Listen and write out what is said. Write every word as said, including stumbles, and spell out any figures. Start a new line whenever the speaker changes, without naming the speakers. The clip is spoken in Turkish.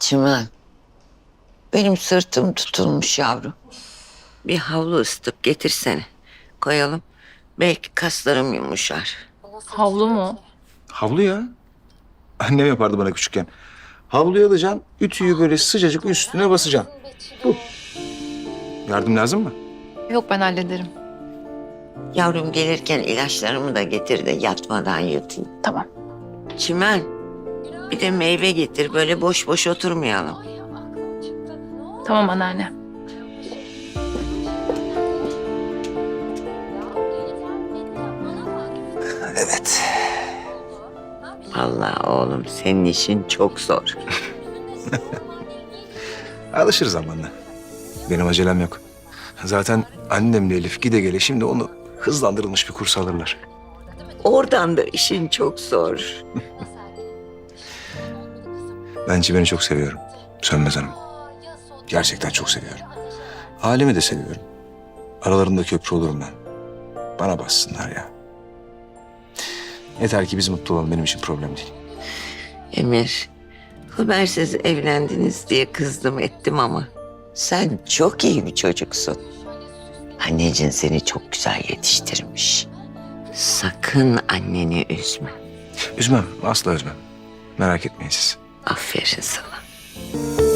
Çimen, benim sırtım tutulmuş yavrum. Bir havlu ısıtıp getirsene. Koyalım. Belki kaslarım yumuşar.
Havlu mu?
Havlu ya. Annem yapardı bana küçükken. Havluyu alacaksın, ütüyü böyle sıcacık üstüne basacaksın. Bu. Yardım lazım mı?
Yok, ben hallederim.
Yavrum gelirken ilaçlarımı da getir de yatmadan yutayım.
Tamam.
Çimen, bir de meyve getir. Böyle boş boş oturmayalım.
Tamam anneanne.
Evet.
Allah oğlum senin işin çok zor.
Alışırız zamanla. Benim acelem yok. Zaten annemle Elif gide gele şimdi onu hızlandırılmış bir kurs alırlar.
Oradan da işin çok zor.
Ben Çimen'i çok seviyorum. Sönmez Hanım. Gerçekten çok seviyorum. Halimi de seviyorum. Aralarında köprü olurum ben. Bana bassınlar ya. Yeter ki biz mutlu olalım, benim için problem değil.
Emir, habersiz evlendiniz diye kızdım ettim ama sen çok iyi bir çocuksun. Annecin seni çok güzel yetiştirmiş. Sakın anneni üzme.
Üzmem, asla üzmem. Merak etmeyin siz.
Aferin sana.